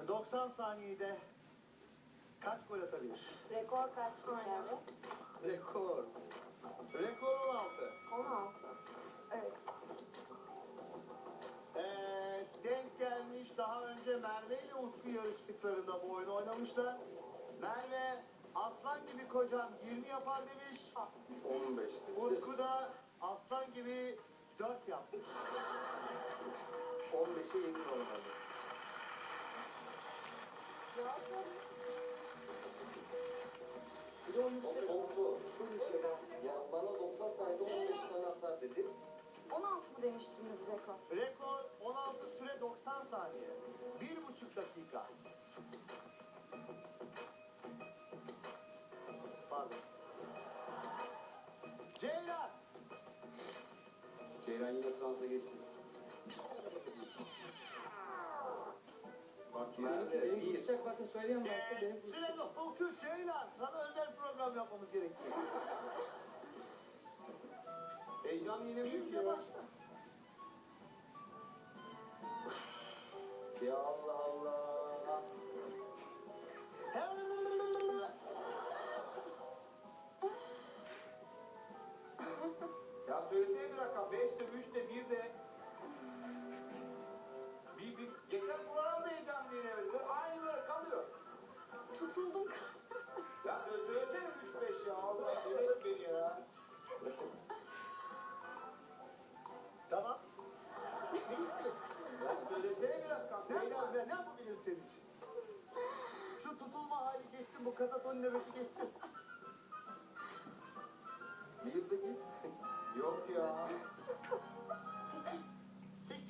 90 saniyede kaç gol atabilir? Rekor kaç yani? Rekor. Rekor 16. 16. Evet. Denk gelmiş. Daha önce Merve ile Utku yarıştıklarında bu oyunu oynamışlar. Merve aslan gibi kocam 20 yapar demiş. 15. Utku da aslan gibi 4 yapmış. 15'e yakın olmalı. Bir de o yüksek oldu. Çok yüksek. Ya bana 90 saniyede 15 tane atar dedi. 16 mı demiştiniz rekor? Rekor 16 süre 90 saniye. 1,5 dakika. Pardon. Ceylan. Ceylan yine transa geçti. Bak Merve, Benim uçak bakın söyleyen varsa benim Süre dokuz Ceylan. Sana özel program yapmamız gerekiyor. heyecan yine Bir büyük de ya. başla. Ya Allah Allah. Ya söylesene bir rakam. 5'te, 3'te, 1'de. Bir geçen program da heyecanlı yine öyle. Aynı böyle kalıyor. Tutuldum. Ya söylesene 3-5 ya. Allah evet beni ya. Tamam. Ne istiyorsun? Ya söylesene bir rakam. Ne yapabilirim senin için? Şu tutulma hali geçsin, bu kataton nöbeti geçsin. Bir de git. Yok ya. 8.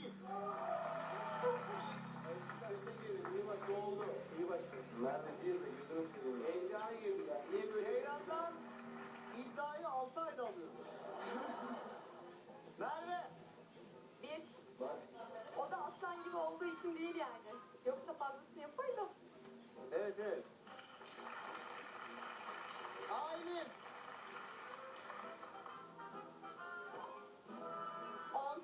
İyi bak ne oldu? İyi başladı. Merve bir de yüzünü sileyim. Heyecana girdiler. Niye böyle? Ceylan'dan iddiayı 6 ayda alıyoruz. Merve. 1. Bak. O da aslan gibi olduğu için değil yani. Yoksa fazlasını yapardım. Evet. Aylin. 10.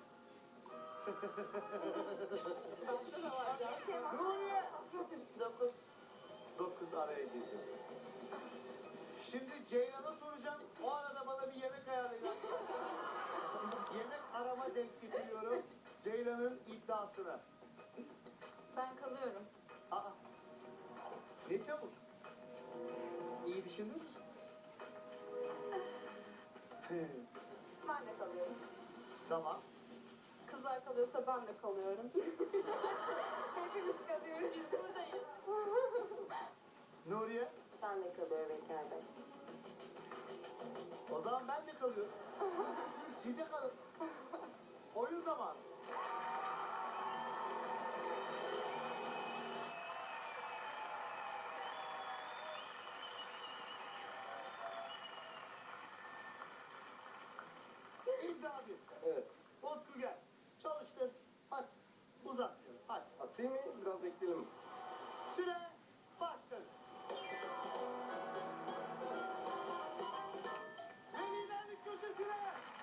Başka da var ya. Nuriye. 9. 9 araya girdi. Şimdi Ceylan'a soracağım. O arada bana bir yemek ayarlayacak. Yemek arama denk getiriyorum. Ceylan'ın iddiasına. Ben kalıyorum. Aa. Ne çabuk. İyi düşündün mü? Ben de kalıyorum. Tamam. Kızlar kalıyorsa ben de kalıyorum. Hepimiz kalıyoruz. Biz buradayız. Nuriye. Ben de kalıyorum İlker Bey. O zaman ben de kalıyorum. Siz de kalın. Oyun zamanı. İddia bir. Evet. Utku gel. Çalıştır. Hadi. Uzat. Hadi. Atayım mı? Biraz bekleyelim. Süre başladı. Velilerlik köşesine.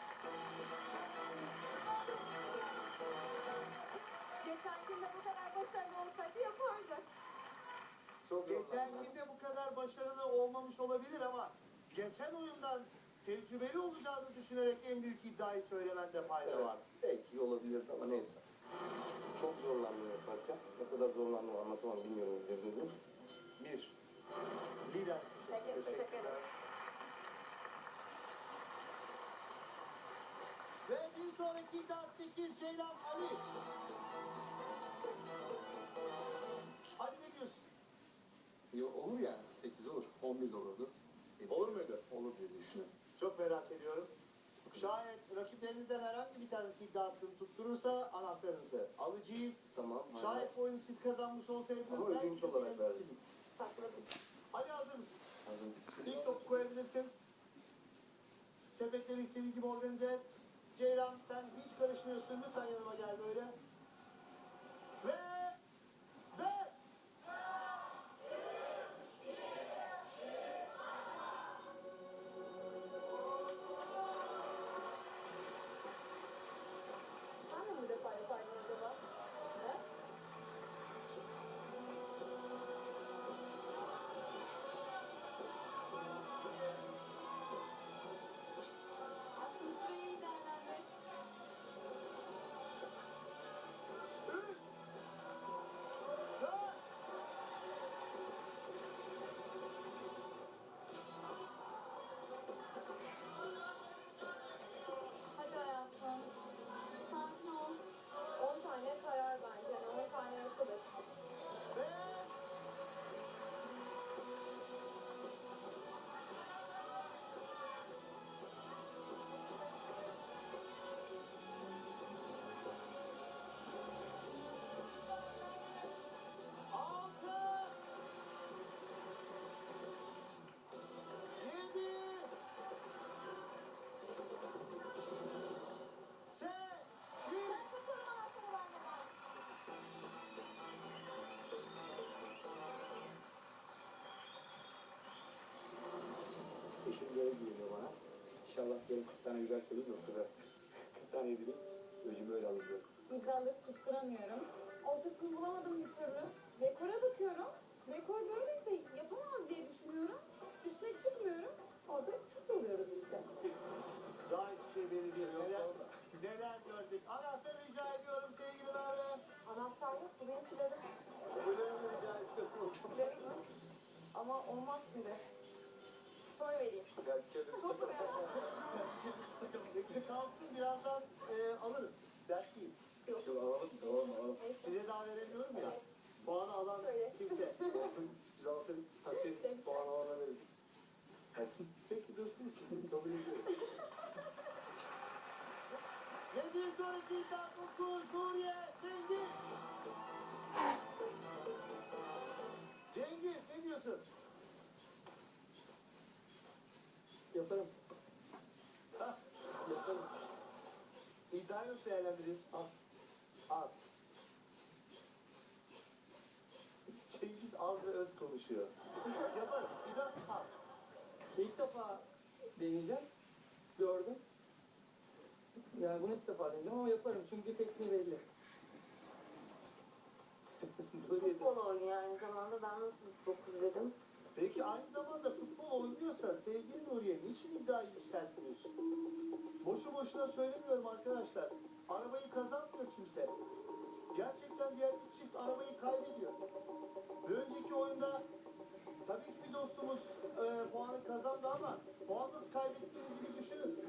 Geçen gün de bu kadar başarılı olsaydı yapardı. Çok Geçen günde bu kadar başarılı olmamış olabilir ama geçen oyundan tecrübeli olacağını düşünerek en büyük iddiayı söylemende fayda var. Belki olabilirdi ama neyse. Çok zorlandım yaparken. Ne kadar zorlandım anlatamam bilmiyorum izlediniz mi? 1. Lider. Teşekkür ederim. Ve bir sonraki iddia 8 Ceylan Ali. Ali ne diyorsun? olur yani. 8 olur. 11 de olurdu. Olur muydu? Olur diye düşünüyorum. Çok merak ediyorum. Şayet rakiplerinizden herhangi bir tanesi iddiasını tutturursa anahtarınızı alacağız. Tamam. Şayet bu oyunu siz kazanmış olsaydınız Ama belki ödünç de olarak siz- veririz. Sakladım. Ali hazır mısın? Hazır. İlk topu koyabilirsin. Sepetleri istediğin gibi organize et. Ceylan sen hiç karışmıyorsun. Lütfen yanıma gel böyle. Ve... Sen de mi bu defa yapardın acaba? He? öyle geliyor bana. İnşallah yarın 40 tane güzel söyleyeyim de o sefer 40 tane bileyim. Öcümü öyle alıyor. İddiaları tutturamıyorum. Ortasını bulamadım bir türlü. Dekora bakıyorum. Dekor böyleyse yapamaz diye düşünüyorum. Üstüne çıkmıyorum. Orada tut oluyoruz işte. Daha hiçbir şey belli değil. Neler gördük. Anahtarı rica ediyorum sevgili Merve. Anahtar yok. Bu benim planım. Buyurun rica ediyorum. Planım mı? Ama olmaz şimdi. Sonra vereyim. Ya çözüm. Çok mu Peki kalsın birazdan alırım. Dert değil. Yok alalım. Neyse. Size daha veremiyorum ya. Puanı alan Söyle. kimse. Biz alsaydık taksi puan alana verirdik. Peki dur siz. Kabul ediyorum. Ve bir sonraki iddia konusu Suriye Cengiz. Cengiz ne diyorsun? Yaparım. Ha, Yaparım. iddiayı nasıl değerlendiririz? Az. Az. Cengiz az ve öz konuşuyor. Yaparım. İddia az. İlk defa deneyeceğim. Gördüm. Yani bunu ilk defa deneyeceğim ama yaparım çünkü tekniği belli. Böyle de- Futbol oynuyor aynı zamanda. Ben nasıl 9 dedim? Peki aynı zamanda futbol oynuyorsa sevgili Nuriye niçin iddiayı yükseltiyorsun? Boşu boşuna söylemiyorum arkadaşlar. Arabayı kazanmıyor kimse. Gerçekten diğer üç çift arabayı kaybediyor. Bir önceki oyunda tabii ki bir dostumuz puanı kazandı ama puan nasıl kaybettiğinizi bir düşünün.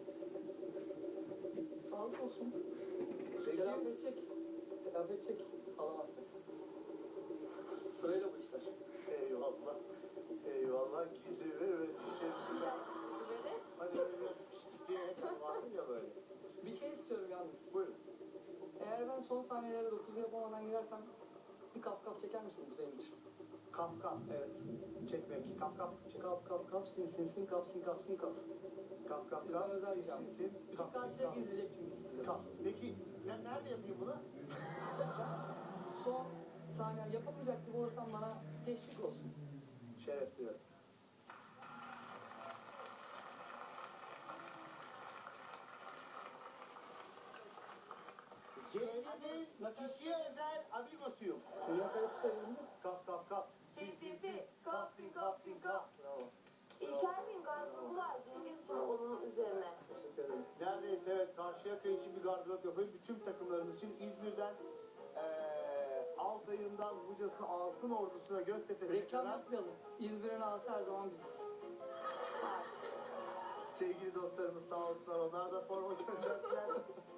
Sağlık olsun. Peki. Telafi edecek. Telafi edecek. Alamazsın. Sırayla bu işler. Eyvallah. Eyvallah. Gizli ve öğretişlerimizi ben. Böyle. Hani böyle biraz piştik diye vardı ya böyle. Bir şey istiyorum yalnız. Buyurun. Eğer ben son saniyelere 9 yapamadan girersem bir kap çeker misiniz benim için? Kap kap. Evet. Çekmek. Kap kap. Çek. Kap sin kap sin kap sin kap. Kap kap Sizden kap. özel bir can. Sin, kap, Karşıya kap. izleyecek çünkü sizi. Kap. Peki nerede yapayım bunu? Son saniye yapamayacak gibi olursam bana teşvik olsun. Şeref duyuyorum. Ceviz'in kişiye özel amigosuyum. Dünya kayıt sayılır. Kap kap kap. Si, si, si. Kap, sin, kap, sin, kap. Bravo. İlker Bey'in gardırobı var. Cengiz için onun üzerine. Teşekkür ederim. Neredeyse evet Karşıyaka için bir gardırop yapayım. Bütün takımlarımız için İzmir'den Altay'ından Buca'sına Altın Ordusu'na Göztepe'sine Reklam kadar yapmayalım. İzmir'in ağası her zaman biziz. sevgili dostlarımız sağ olsunlar. Onlar da forma gönderdiler.